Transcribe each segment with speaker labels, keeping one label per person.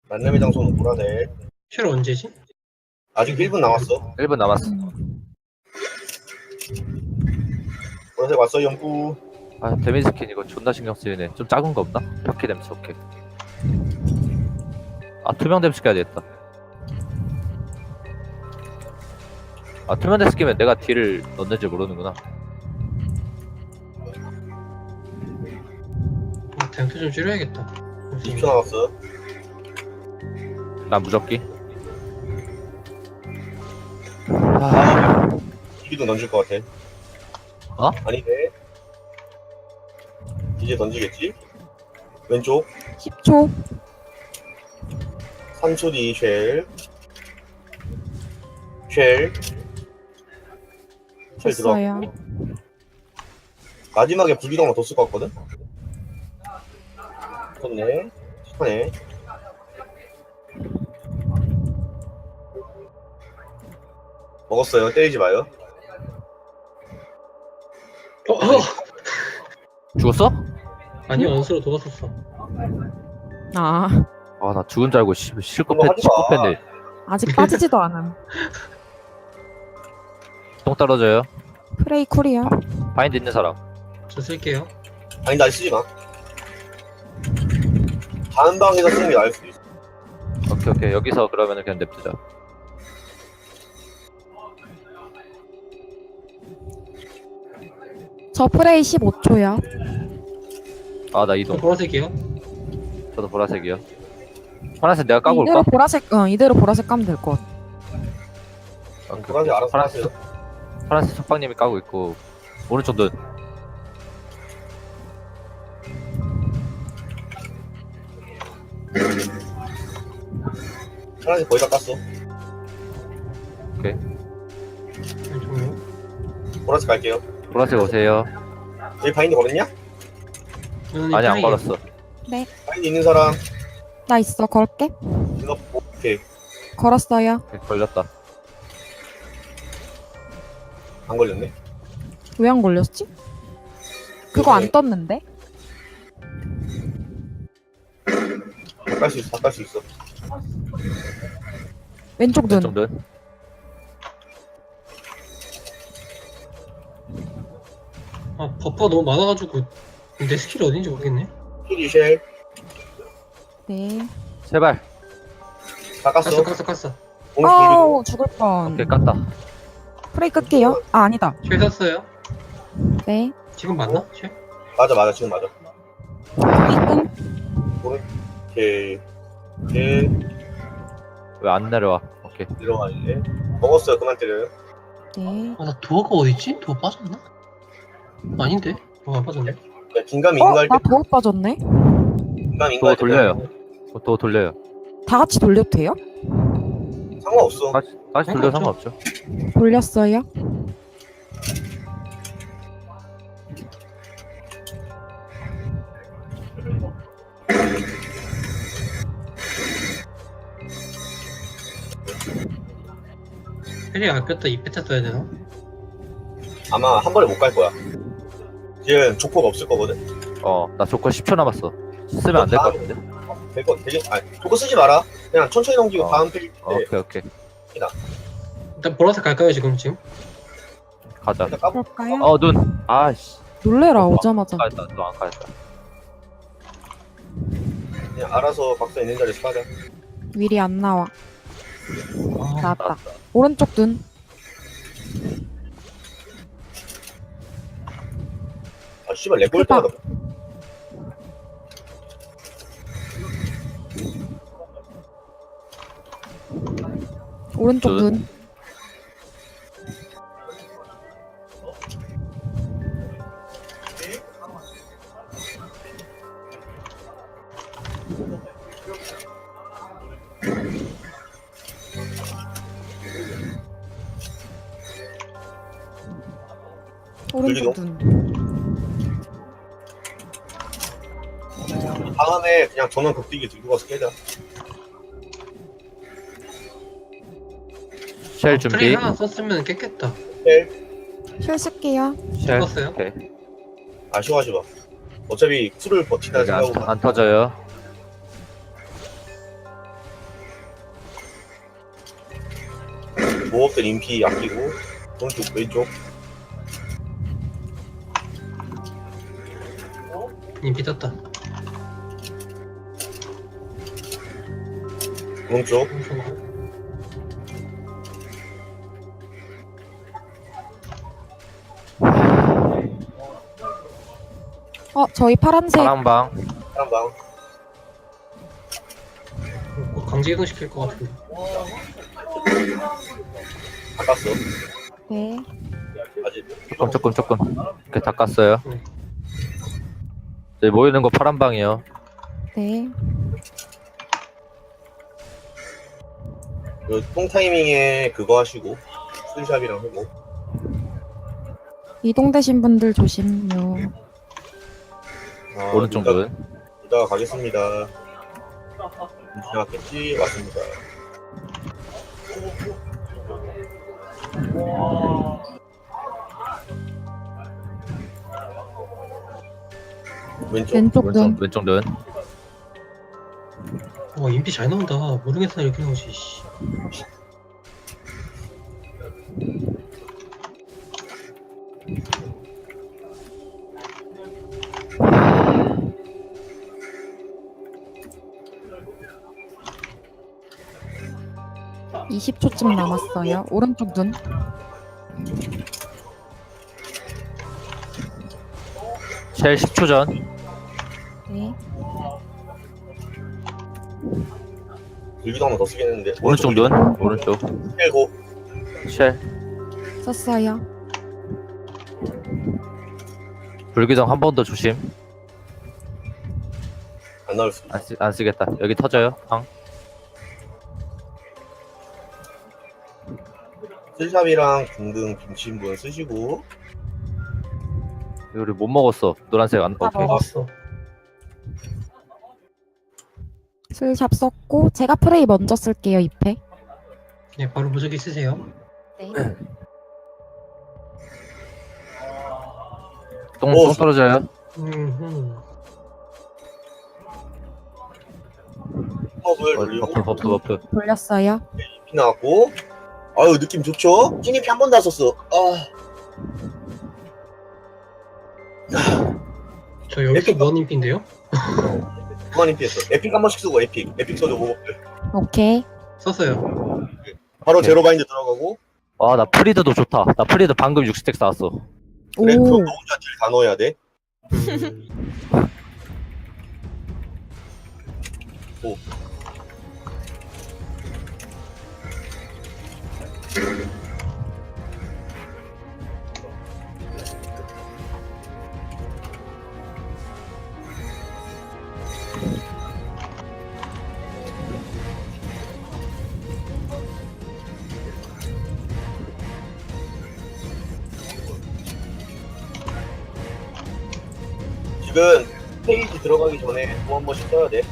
Speaker 1: 만남의 장소는 보라색.
Speaker 2: 쉘 언제지?
Speaker 1: 아직 1분 남았어.
Speaker 3: 1분 남았어.
Speaker 1: 보라색 왔어, 연구.
Speaker 3: 아, 데미지 스킨 이거 존나 신경 쓰이네. 좀 작은 거 없나? 벽해 댐스 오케이. 아, 투명 댐스 껴야 되겠다. 아, 투명 댐스 끼면 내가 딜을 넣는지 모르는구나.
Speaker 2: 댐프 좀 줄여야겠다.
Speaker 1: 20초 남았어.
Speaker 3: 난 무적기. 아,
Speaker 1: 기도 던질 것 같아.
Speaker 3: 어?
Speaker 1: 아니네. 이제 던지겠지? 왼쪽
Speaker 4: 10초.
Speaker 1: 3초 뒤 쉘. 쉘
Speaker 4: 됐어요.
Speaker 1: 들어갔고. 마지막에 불기둥만 더 쓸 것 같거든? 좋네. 착하네. 먹었어요. 때리지 마요.
Speaker 3: 죽었어?
Speaker 2: 아니 원수로 도왔었어.
Speaker 4: 아,
Speaker 3: 아, 나 죽은 줄 알고 실컷
Speaker 1: 그거 하지 마.
Speaker 3: 했네.
Speaker 4: 아직 빠지지도 않음.
Speaker 3: 똥 떨어져요.
Speaker 4: 프레이 쿨이요.
Speaker 3: 바인드 있는 사람.
Speaker 2: 저 쓸게요.
Speaker 1: 아니, 나 쓰지 마. 다음 방에서 쓰는 게 나을 수도 있어.
Speaker 3: 오케이, 오케이. 여기서 그러면은 그냥 냅두자.
Speaker 4: 저 프레이 15초요.
Speaker 3: 아, 나
Speaker 2: 저
Speaker 3: 이동.
Speaker 2: 보라색이요.
Speaker 3: 저도 보라색이요. 파란색 내가 까고
Speaker 4: 이대로
Speaker 3: 올까?
Speaker 4: 보라색, 이대로 보라색 까면 될 것 같아.
Speaker 3: 오케이,
Speaker 1: 보라색 알아서
Speaker 3: 파란색,
Speaker 1: 하세요.
Speaker 3: 파란색 석방님이 까고 있고 오른쪽 눈.
Speaker 1: 파란색 거의 다 깠어.
Speaker 2: 왼쪽으로.
Speaker 1: 보라색 갈게요.
Speaker 3: 보라색 오세요.
Speaker 1: 여기 바인드 걸었냐?
Speaker 3: 아니, 안 걸었어.
Speaker 1: 바인드 있는 사람
Speaker 4: 나 있어, 걸게.
Speaker 1: 이거 오케이.
Speaker 4: 걸었어요.
Speaker 3: 오케이, 걸렸다.
Speaker 1: 안 걸렸네.
Speaker 4: 왜 안 걸렸지? 그거 안 떴는데?
Speaker 1: 다 깔 수 있어. 다 깔 수 있어.
Speaker 4: 왼쪽 눈.
Speaker 3: 왼쪽 눈.
Speaker 2: 아 버퍼가 너무 많아가지고 내 스킬이 어딘지 모르겠네.
Speaker 1: 힐이 쉘.
Speaker 4: 네.
Speaker 3: 제발.
Speaker 1: 다 깠어.
Speaker 2: 깠어.
Speaker 1: 오늘
Speaker 4: 아우, 죽을 뻔.
Speaker 3: 오케이, 깠다.
Speaker 4: 프레이 끌게요. 아, 아니다.
Speaker 2: 쉘 샀어요.
Speaker 4: 네.
Speaker 2: 지금 맞나? 쉘?
Speaker 1: 맞아. 지금 맞아.
Speaker 4: 프레이 끈.
Speaker 1: 오케이. 오케이.
Speaker 3: 왜 안 내려와? 오케이.
Speaker 1: 내려와 이제. 먹었어요. 그만 때려요.
Speaker 4: 네.
Speaker 2: 나 도어가 어딨지? 도어 빠졌나? 아닌데? 안 빠졌네.
Speaker 1: 야, 긴감이 인가할
Speaker 4: 나
Speaker 1: 때.
Speaker 4: 도어 빠졌네?
Speaker 1: 긴감
Speaker 3: 또
Speaker 1: 인가할 때.
Speaker 3: 돌려요. 또 돌려요.
Speaker 4: 다 같이 돌려도 돼요?
Speaker 1: 상관없어.
Speaker 3: 다시 돌려 상관없죠.
Speaker 4: 돌렸어요.
Speaker 2: 쉘이 아꼈다 2패타 써야 되나?
Speaker 1: 아마 한 번에 못 갈 거야. 지금 조커가 없을 거거든.
Speaker 3: 나 조커 10초 남았어. 쓰면 안 될 것 같은데?
Speaker 1: 되게. 아니, 조커 쓰지 마라. 그냥 천천히 넘기고
Speaker 3: 어.
Speaker 1: 다음 페이지 때
Speaker 3: 오케이.
Speaker 2: 일단 보라색 갈까요 지금?
Speaker 3: 가자.
Speaker 1: 일단 까보.
Speaker 4: 그럴까요?
Speaker 3: 눈. 아씨.
Speaker 4: 놀래라, 오자마자.
Speaker 3: 까였다. 또 안 까였다.
Speaker 1: 그냥 알아서 박사 있는 자리에서 까자.
Speaker 4: 윌이 안 나와.
Speaker 2: 아,
Speaker 4: 나왔다. 오른쪽 눈.
Speaker 1: 아 씨발 렉 걸릴 때마다.
Speaker 4: 오른쪽
Speaker 3: 눈.
Speaker 4: 눈. 오른쪽 눈.
Speaker 1: 다음에 그냥 전원 극딜기 들고 가서 깨자.
Speaker 3: 쉘
Speaker 2: 트레이
Speaker 3: 준비.
Speaker 2: 하나 썼으면 깼겠다.
Speaker 1: 쉘.
Speaker 4: 쉘 쓸게요.
Speaker 3: 쉘.
Speaker 2: 썼어요?
Speaker 3: 오케이.
Speaker 1: 아쉬워하지 마. 어차피 쿨을 버티다
Speaker 3: 여기
Speaker 1: 생각하고
Speaker 3: 안 터져요.
Speaker 1: 모업들 인피 아끼고 오른쪽 왼쪽
Speaker 2: 인피 떴다.
Speaker 1: 오른쪽
Speaker 4: 저희 파란색.
Speaker 3: 파란방.
Speaker 1: 파란방
Speaker 2: 곧 강제 이동시킬 것 같은데.
Speaker 1: 바꿨어
Speaker 4: 네.
Speaker 1: 아직
Speaker 3: 조금. 이렇게 다 깠어요.
Speaker 2: 네.
Speaker 3: 이제 모이는 거 파란방이요.
Speaker 4: 네.
Speaker 1: 그 똥 타이밍에 그거 하시고 풀샵이랑 하고
Speaker 4: 이동되신 분들 조심요.
Speaker 3: 오른쪽 눈.
Speaker 1: 이따가 가겠습니다. 지나갔겠지? 왔습니다. 왼쪽
Speaker 4: 왼쪽 눈.
Speaker 3: 왼쪽 눈.
Speaker 2: 인피 잘 나온다. 모르겠어 이렇게 나오지. 씨.
Speaker 4: 아, 20초쯤 남았어요. 오른쪽 눈.
Speaker 3: 쉘 10초 전.
Speaker 4: 네.
Speaker 1: 불기도 하나 더 쓰겠는데
Speaker 3: 오른쪽 눈. 오른쪽.
Speaker 1: 빼고
Speaker 3: 쉘.
Speaker 4: 썼어요.
Speaker 3: 불기둥 한 번 더 조심.
Speaker 1: 안 나올 수 있어.
Speaker 3: 안 쓰겠다. 여기 터져요. 방.
Speaker 1: 풀샵이랑 등등 빙친 분 쓰시고
Speaker 3: 우리 못 먹었어. 노란색 안. 오케이.
Speaker 2: 먹었어.
Speaker 4: 슬샵 썼고 제가 프레이 먼저 쓸게요. 2패.
Speaker 2: 네, 바로 무적기 쓰세요.
Speaker 4: 네.
Speaker 3: 똥
Speaker 1: 오,
Speaker 3: 떨어져요.
Speaker 1: 컵을 돌리고
Speaker 3: 버프.
Speaker 4: 돌렸어요.
Speaker 1: 피 나왔고 아유 느낌 좋죠? 찐이피 한 번도 안 썼어.
Speaker 2: 저 여기서 무한 인피인데요?
Speaker 1: 그만 인피했어. 에픽 한 번씩 쓰고 에픽 써줘 모업들.
Speaker 4: 오케이.
Speaker 2: 썼어요.
Speaker 1: 바로
Speaker 3: 오케이.
Speaker 1: 제로 바인드 들어가고
Speaker 3: 와, 나 프리드도 좋다. 나 프리드 방금 60덱 쌓았어.
Speaker 1: 그래
Speaker 4: 오.
Speaker 1: 그럼 너 혼자 딜 다 넣어야 돼. 지금 페이지 들어가기 전에 또 한 번씩 써야 돼.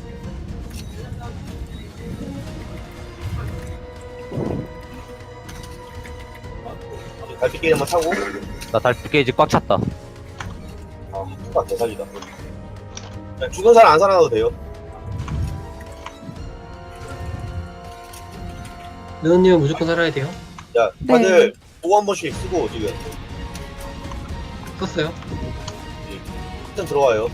Speaker 1: 달빛게임 한번 타고
Speaker 3: 나 달빛 게이지 꽉 찼다.
Speaker 1: 투가 대사기다. 그냥 죽은 사람 안 살아나도 돼요.
Speaker 2: 느느님은 무조건 살아야 돼요.
Speaker 1: 자 다들 또 한 번씩 쓰고 지금
Speaker 2: 썼어요.
Speaker 1: 일단 들어와요.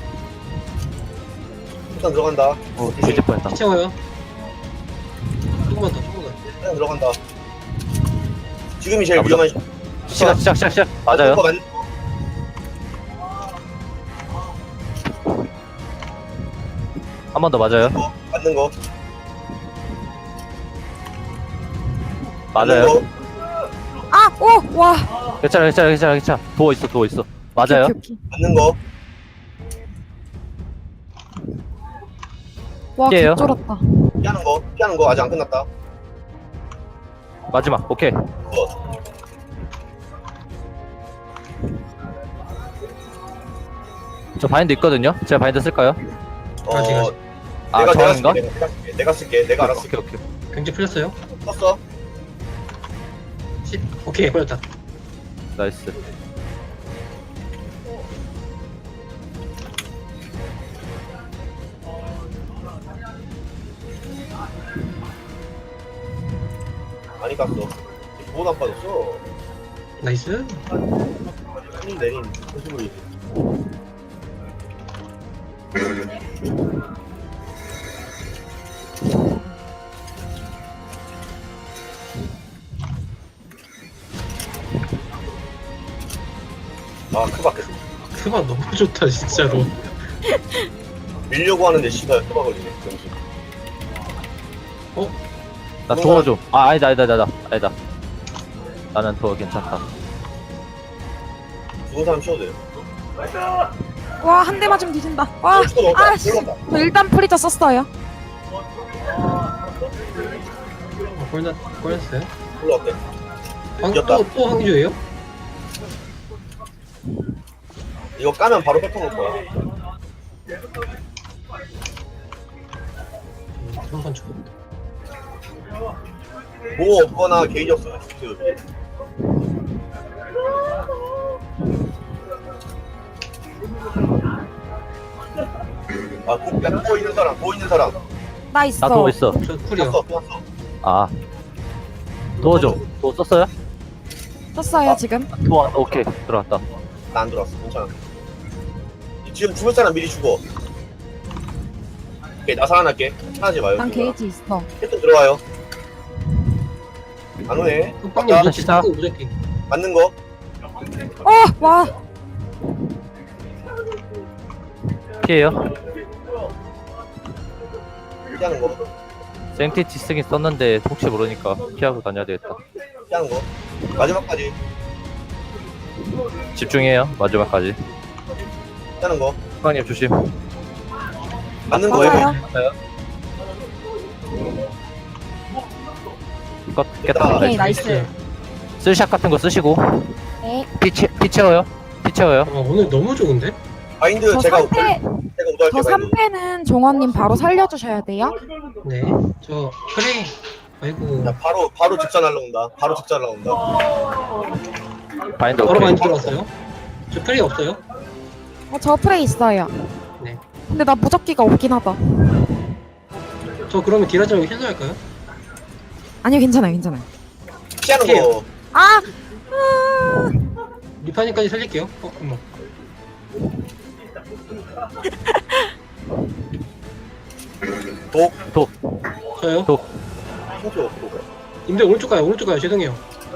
Speaker 1: 일단 들어간다.
Speaker 3: 뒤질 뻔했다.
Speaker 2: 피 채워요. 조금만 더.
Speaker 1: 일단 들어간다. 지금이 제일
Speaker 3: 가보자.
Speaker 1: 위험한
Speaker 3: 시작. 맞아요.
Speaker 1: 거 맞-
Speaker 3: 한 번 더 맞아요.
Speaker 1: 맞는 거.
Speaker 3: 맞아요.
Speaker 1: 맞는 거.
Speaker 4: 아! 오! 와!
Speaker 3: 괜찮아. 도어 있어. 맞아요.
Speaker 4: 오케이.
Speaker 1: 맞는 거.
Speaker 4: 와,
Speaker 3: 피해요.
Speaker 4: 개쫄았다.
Speaker 1: 피하는 거 아직 안 끝났다.
Speaker 3: 마지막. 오케이. 저 바인드 있거든요. 제가 바인드 쓸까요?
Speaker 2: 아직.
Speaker 1: 내가
Speaker 3: 저인가?
Speaker 1: 쓸게. 내가 쓸게. 내가 알아서 쓸게.
Speaker 3: 오케이.
Speaker 2: 경제 풀렸어요.
Speaker 1: 썼어.
Speaker 2: 오케이, 걸렸다.
Speaker 3: 나이스.
Speaker 1: 많이 깠어. 뭐도 안 빠졌어.
Speaker 2: 나이스.
Speaker 1: 큰일 내린 소식을. 아, 크바.
Speaker 2: 크바 너무 좋다 진짜로.
Speaker 1: 밀려고 하는데 씨발 크바 걸리네. 정신.
Speaker 3: 나 도어 좀. 아, 아니다. 나는 도어 괜찮다.
Speaker 1: 죽은 사람 쉬어도 돼요.
Speaker 4: 와, 한 대 맞으면 뒤진다. 와,
Speaker 1: 죽어 넣었다.
Speaker 4: 아, 씨.
Speaker 1: 들어갔다.
Speaker 4: 저 일단 프리저 썼어요.
Speaker 2: 골났어요.
Speaker 1: 올라왔대.
Speaker 2: 방,
Speaker 1: 이겼다.
Speaker 2: 또 황조예요?
Speaker 1: 이거 까면 바로 뺏어 놓을 거야.
Speaker 2: 한번 죽었다.
Speaker 1: 뭐 없거나 게이지 없어. 아, 고 있는 사람, 고 있는 사람.
Speaker 4: 나 있어.
Speaker 3: 나 도어 있어.
Speaker 2: 저 쿨이요.
Speaker 1: 떴어, 떴어.
Speaker 3: 아. 도어 좀. 도어 썼어요?
Speaker 4: 썼어요, 지금.
Speaker 3: 도어, 오케이. 들어왔다.
Speaker 1: 나 안 들어왔어. 괜찮아. 지금 죽을 사람 미리 죽어. 오케이, 나 살아날게. 하지 마요.
Speaker 4: 난
Speaker 1: 지금.
Speaker 4: 게이지 있어.
Speaker 1: 캡틴 들어와요. 안 오네.
Speaker 2: 흑빵님
Speaker 1: 아까
Speaker 2: 무적기
Speaker 3: 진짜?
Speaker 2: 무적기.
Speaker 1: 맞는 거.
Speaker 4: 와.
Speaker 3: 피해요.
Speaker 1: 피하는 거.
Speaker 3: 생티티 쓰긴 썼는데 혹시 모르니까 피하고 다녀야 되겠다.
Speaker 1: 피하는 거. 마지막까지
Speaker 3: 집중해요. 마지막까지.
Speaker 1: 피하는 거.
Speaker 3: 수강님 조심.
Speaker 1: 맞는 거예요.
Speaker 4: 맞아요.
Speaker 3: 깼다. 깼다.
Speaker 4: 오케이, 나이스.
Speaker 3: 쓸샷 같은 거 쓰시고.
Speaker 4: 네.
Speaker 3: 피 채워요. 피 채워요.
Speaker 2: 아 오늘 너무 좋은데?
Speaker 1: 바인드
Speaker 4: 저
Speaker 1: 제가
Speaker 4: 3패,
Speaker 1: 우도할게요.
Speaker 4: 저
Speaker 1: 바인드.
Speaker 4: 3패는 종원님 바로 살려주셔야 돼요.
Speaker 2: 네. 저 프레이. 아이고.
Speaker 1: 야, 바로 직전 날라온다. 바로 직전 날라온다.
Speaker 3: 바인드
Speaker 2: 바로
Speaker 3: 오케이.
Speaker 2: 많이 들어왔어요. 저 프레이 없어요?
Speaker 4: 저 프레이 있어요.
Speaker 2: 네.
Speaker 4: 근데 나 무적기가 없긴 하다.
Speaker 2: 저 그러면 딜하지 말고 힐러할까요?
Speaker 4: 아니요, 괜찮아요.
Speaker 1: 피하는 거.
Speaker 2: 피해요.
Speaker 4: 아!
Speaker 2: 리파니까지 살릴게요. 어머.
Speaker 1: 독.
Speaker 2: 저요?
Speaker 1: 힌트 없고.
Speaker 2: 님들 오른쪽 가요. 죄송해요.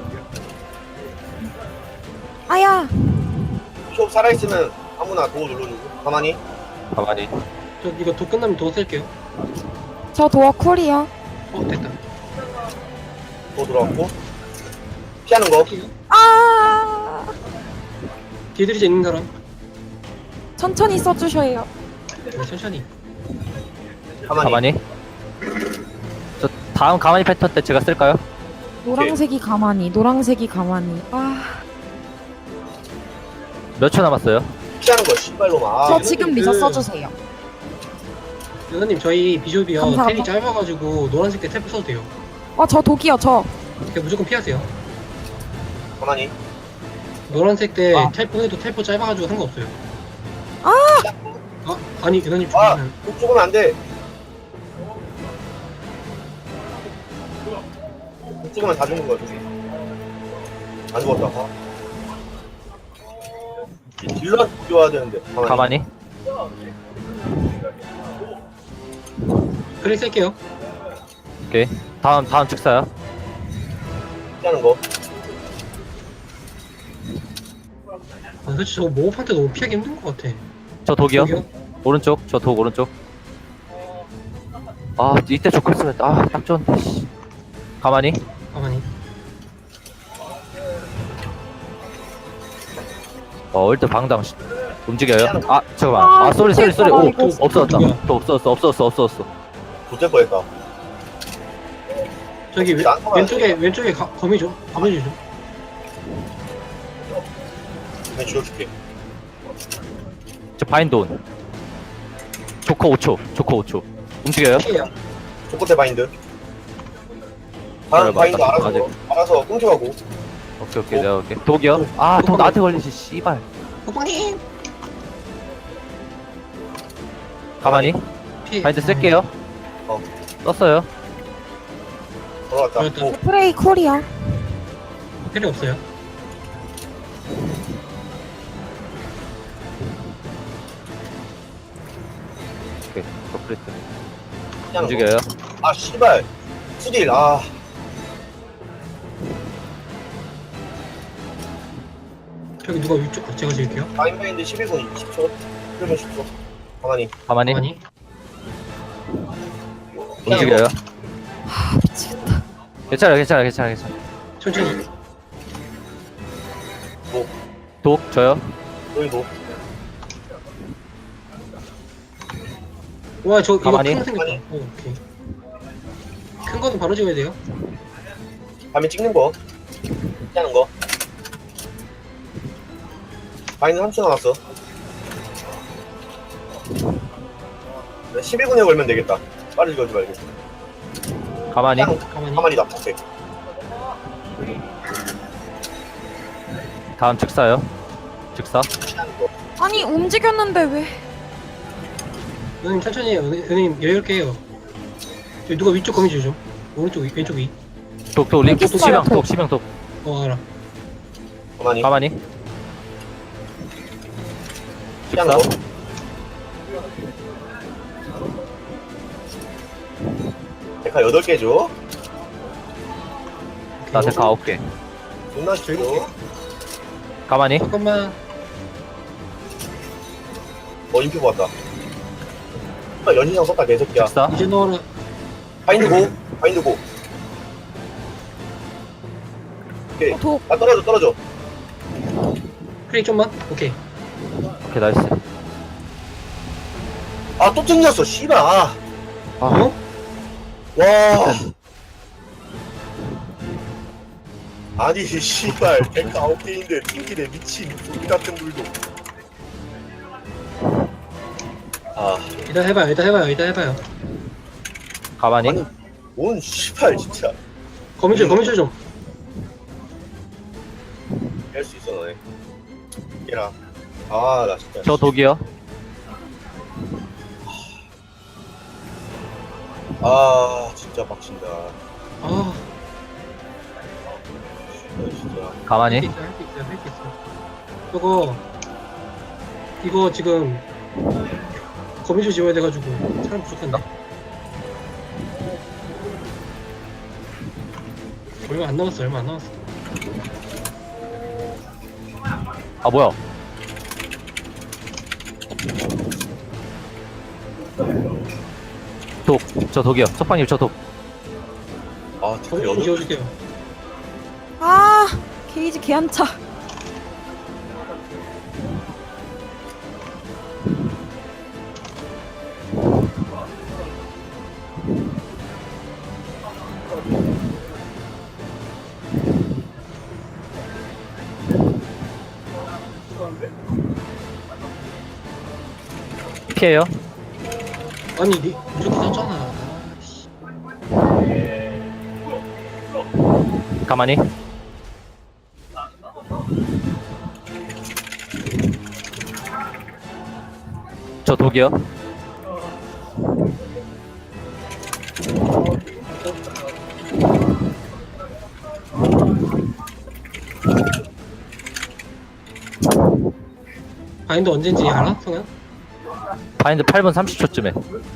Speaker 4: 아야!
Speaker 1: 숍 살아있으면 아무나 도어 눌러주고. 가만히.
Speaker 3: 가만히.
Speaker 2: 저 이거 도 끝나면 도 쓸게요.
Speaker 4: 저 도어 쿨이요.
Speaker 2: 됐다.
Speaker 1: 도어 들어왔고. 피하는 거.
Speaker 4: 아!
Speaker 2: 딜들이 있는 사람.
Speaker 4: 천천히 써주셔요.
Speaker 2: 네, 천천히.
Speaker 1: 가만히.
Speaker 3: 저 다음 가만히 패턴 때 제가 쓸까요?
Speaker 4: 노란색이 가만히. 아,
Speaker 3: 몇 초 남았어요?
Speaker 1: 피하는 거. 씨발로만. 아,
Speaker 4: 저 지금 미저 써주세요.
Speaker 2: 여사님 저희 비숍이요.
Speaker 4: 감사합니다.
Speaker 2: 텔이 짧아가지고 노란색 때 탭 써도 돼요.
Speaker 4: 저 독이요, 저.
Speaker 2: 그냥 무조건 피하세요.
Speaker 1: 가만히.
Speaker 2: 노란색 때
Speaker 3: 아.
Speaker 2: 텔포해도 텔포 짧아가지고 상관없어요.
Speaker 4: 아!
Speaker 2: 아니 여사님
Speaker 1: 아,
Speaker 2: 죽으면
Speaker 1: 독 죽으면 안 돼. 독 죽으면 다 죽는 거야, 독이. 안 죽었다. 봐. 딜러한테 죽여야 되는데.
Speaker 3: 가만히.
Speaker 2: 그래 쓸게요.
Speaker 3: 오케이. 다음 즉사요.
Speaker 1: 피하는 거.
Speaker 2: 솔직히 저거 모호판 때 너무 피하기 힘든 것 같아.
Speaker 3: 저 독이요.
Speaker 2: 저기요?
Speaker 3: 오른쪽. 저 독 오른쪽. 아 이때 조금 쓰면 딱 좋은데. 씨. 가만히.
Speaker 2: 가만히.
Speaker 3: 얼드 방당 움직여요. 아 잠깐만. 쏘리. 오
Speaker 4: 이거
Speaker 3: 없어졌다.
Speaker 2: 누구야?
Speaker 3: 또 없어졌어.
Speaker 1: 도될 뻔했다.
Speaker 2: 저기
Speaker 1: 난
Speaker 2: 왼쪽에 거미 좀 좀.
Speaker 1: 그냥 줄여줄게.
Speaker 3: 저 바인드 온. 조커 5초. 움직여요.
Speaker 2: 피해요.
Speaker 1: 조커대 바인드. 다음
Speaker 3: 맞다.
Speaker 1: 바인드
Speaker 3: 아직.
Speaker 1: 알아서 끊겨가고.
Speaker 3: 오케이 내가 올게. 독이요. 독 나한테 걸리지 씨발.
Speaker 2: 호빵님.
Speaker 3: 가만히.
Speaker 2: 피해.
Speaker 3: 바인드 쓸게요.
Speaker 1: 어.
Speaker 3: 썼어요.
Speaker 1: 돌아왔다.
Speaker 2: 돌아왔다.
Speaker 1: 오,
Speaker 4: 프레이 쿨이요.
Speaker 2: 필요 없어요.
Speaker 3: 오케이. 컴플리트.
Speaker 1: 그냥
Speaker 3: 움직여요.
Speaker 1: 아 씨발 수딜 아
Speaker 2: 저기 누가 위쪽 제가 지을게요.
Speaker 1: 마인마인드 11분 20초 1분 10초 가만히
Speaker 3: 가만히.
Speaker 2: 가만히.
Speaker 3: 움직여요.
Speaker 4: 아 미치겠다.
Speaker 3: 괜찮아.
Speaker 2: 천천히.
Speaker 3: 독, 저요.
Speaker 1: 너희도
Speaker 2: 와, 저 이거
Speaker 3: 가만히.
Speaker 2: 큰거 생겼다. 오케이. 큰 거는 바로 지어야 돼요.
Speaker 1: 밤에 찍는 거 하는 거 마인드 3초 남았어 11분에 걸면 되겠다 빠르게 걸지 말고
Speaker 3: 가만히.
Speaker 1: 그냥
Speaker 2: 가만히.
Speaker 1: 가만히 납작해
Speaker 3: 다음 즉사요. 즉사.
Speaker 1: 취하는 거
Speaker 4: 아니 움직였는데 왜?
Speaker 2: 은님 천천히 해요. 은님 여유롭게 해요. 저기 누가 위쪽 거미 주죠? 오른쪽 위, 왼쪽 위.
Speaker 3: 독, 림,
Speaker 4: 여기 있어요,
Speaker 3: 치명,
Speaker 4: 독.
Speaker 3: 독, 치명, 독.
Speaker 2: 알아.
Speaker 1: 가만히
Speaker 3: 가만히.
Speaker 1: 취하는
Speaker 3: 즉사.
Speaker 1: 거 데카 8개 줘
Speaker 3: 나 데카 9개.
Speaker 1: 존나 싫어
Speaker 3: 가만히.
Speaker 2: 잠깐만.
Speaker 1: 인피 보았다 연신상 썼다 개새끼야
Speaker 3: 즉사.
Speaker 2: 이제 넣어라.
Speaker 1: 바인드 고 바인드 고 오케이
Speaker 4: 독.
Speaker 1: 아 떨어져
Speaker 2: 크레이 좀만. 오케이.
Speaker 3: 오케이, 나이스.
Speaker 1: 아 또 튕겼어 씨발 아.
Speaker 2: 어?
Speaker 1: 와 아니 씨발 데카 9개인데 튕기네 미친 우리 같은 불도 아
Speaker 2: 일단 해봐요.
Speaker 3: 가만히.
Speaker 1: 아니 뭔 씨발 진짜
Speaker 2: 거미줄 좀.
Speaker 1: 할 수 있어 너네 얘라 아나 진짜
Speaker 3: 저 독이요.
Speaker 1: 아 진짜 빡친다
Speaker 2: 아,
Speaker 1: 진짜
Speaker 3: 가만히.
Speaker 2: 할 수 있어. 저거 이거 지금 거미줄 지워야 돼가지고 사람 부족한데. 얼마 안 남았어.
Speaker 3: 아, 뭐야. 독, 저 독이요. 석방님, 저 독.
Speaker 1: 아 데카
Speaker 2: 거미줄
Speaker 1: 8개
Speaker 2: 지워줄게요.
Speaker 4: 아 게이지 개한차.
Speaker 3: 피해요.
Speaker 2: 아니 무조건 썼잖아. 씨.
Speaker 3: 가만히. 저 독이요.
Speaker 2: 바인드 언제인지 알아? 성현?
Speaker 3: 바인드 8분 30초쯤에.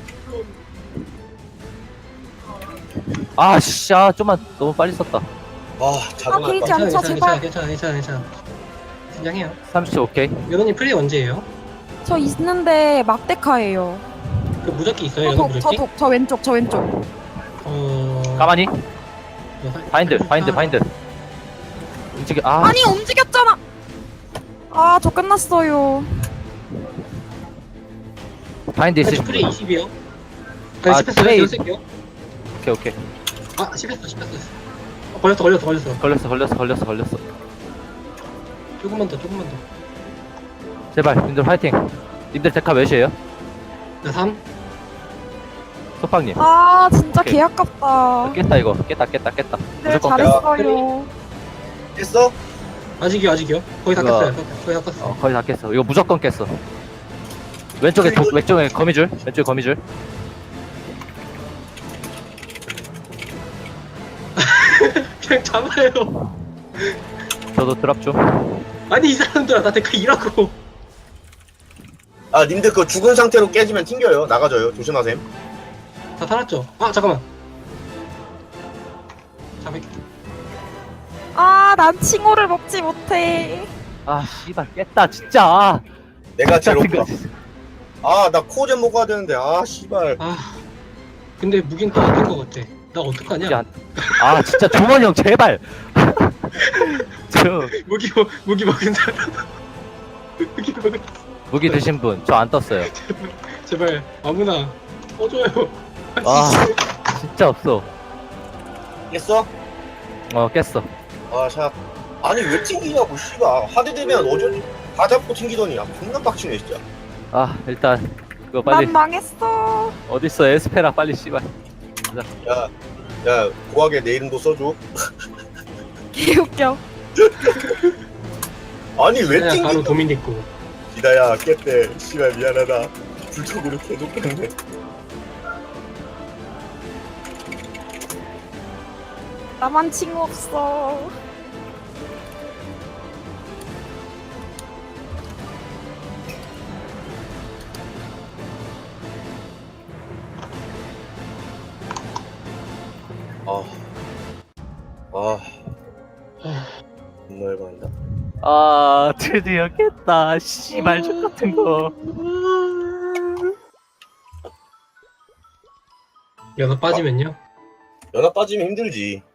Speaker 3: 아, 씨, 좀만 너무 빨리 썼다.
Speaker 1: 아 자동할
Speaker 4: 게이지
Speaker 1: 것
Speaker 4: 안 차, 제발.
Speaker 2: 괜찮아. 긴장해요.
Speaker 3: 30초 오케이.
Speaker 2: 여러님 플레이 언제예요?
Speaker 4: 저 있는데 막데카예요.
Speaker 2: 그 무적기 있어요, 여러분 무적기?
Speaker 4: 저 왼쪽.
Speaker 3: 가만히.
Speaker 2: 이거
Speaker 3: 바인드. 움직여. 아,
Speaker 4: 아니 움직였잖아. 아 저 끝났어요.
Speaker 3: 바인드 있으신
Speaker 2: 플레이
Speaker 3: 분.
Speaker 2: 20이요.
Speaker 3: 아,
Speaker 2: 아, 스페스
Speaker 3: 플레이.
Speaker 2: 쓸게요.
Speaker 3: 오케이.
Speaker 2: 아, 스페스. 걸렸어. 조금만 더.
Speaker 3: 제발, 님들 화이팅. 님들 데카 몇이에요?
Speaker 2: 나 3.
Speaker 3: 소팡님.
Speaker 4: 아 진짜
Speaker 3: 오케이.
Speaker 4: 개 아깝다.
Speaker 3: 깼다 이거. 깼다.
Speaker 4: 네
Speaker 3: 무조건
Speaker 4: 잘했어요.
Speaker 1: 했어?
Speaker 2: 아직이요. 거의 다
Speaker 3: 그거-
Speaker 2: 깼어요. 거의 다 깼어.
Speaker 3: 거의 다 깼어. 이거 무조건 깼어. 왼쪽에 거미줄. 왼쪽에 거미줄.
Speaker 2: 그냥 잡아요.
Speaker 3: 저도 드랍 좀.
Speaker 2: 아니 이 사람들아 나 데카 일하고.
Speaker 1: 아 님들 그 죽은 상태로 깨지면 튕겨요. 나가져요. 조심하셈.
Speaker 2: 다 살았죠? 아 잠깐만. 잠깐.
Speaker 4: 아, 난 칭호를 먹지 못해.
Speaker 3: 아 씨발 깼다 진짜.
Speaker 1: 내가 제일
Speaker 3: 같은
Speaker 1: 높다.
Speaker 3: 거.
Speaker 1: 아나 코젠 먹어야 되는데 아 씨발.
Speaker 2: 아 근데 무긴 또 아낀 거 같아. 나 어떡하냐?
Speaker 3: 아 진짜 종원이 형 제발. 저
Speaker 2: 무기 먹은 사람. 무기 먹은
Speaker 3: 무기 드신 분 저 안 떴어요.
Speaker 2: 제발 아무나 꺼줘요.
Speaker 3: 아 진짜 없어.
Speaker 1: 깼어?
Speaker 3: 깼어.
Speaker 1: 아 샷. 아니 왜 튕기냐고 씨발. 하드 되면 어쩐지 다 잡고 튕기더니 아 존나 빡치네 진짜.
Speaker 3: 아 일단 그거 빨리
Speaker 4: 난 망했어.
Speaker 3: 어딨어 에스페라 빨리 씨발.
Speaker 1: 야 고하게 내 이름도 써줘.
Speaker 4: 개웃겨.
Speaker 1: 아니 왜
Speaker 2: 그냥 바로
Speaker 1: 튕기?
Speaker 2: 도미니코.
Speaker 1: 기다야 깼대. 씨발 미안하다. 불독으로 계속 깼네.
Speaker 4: 나만 칭호 없어.
Speaker 1: 존나 열받는다.
Speaker 3: 아 드디어 깼다 씨발 족 같은 거.
Speaker 2: 연어 빠지면요?
Speaker 1: 연합 빠지면 힘들지.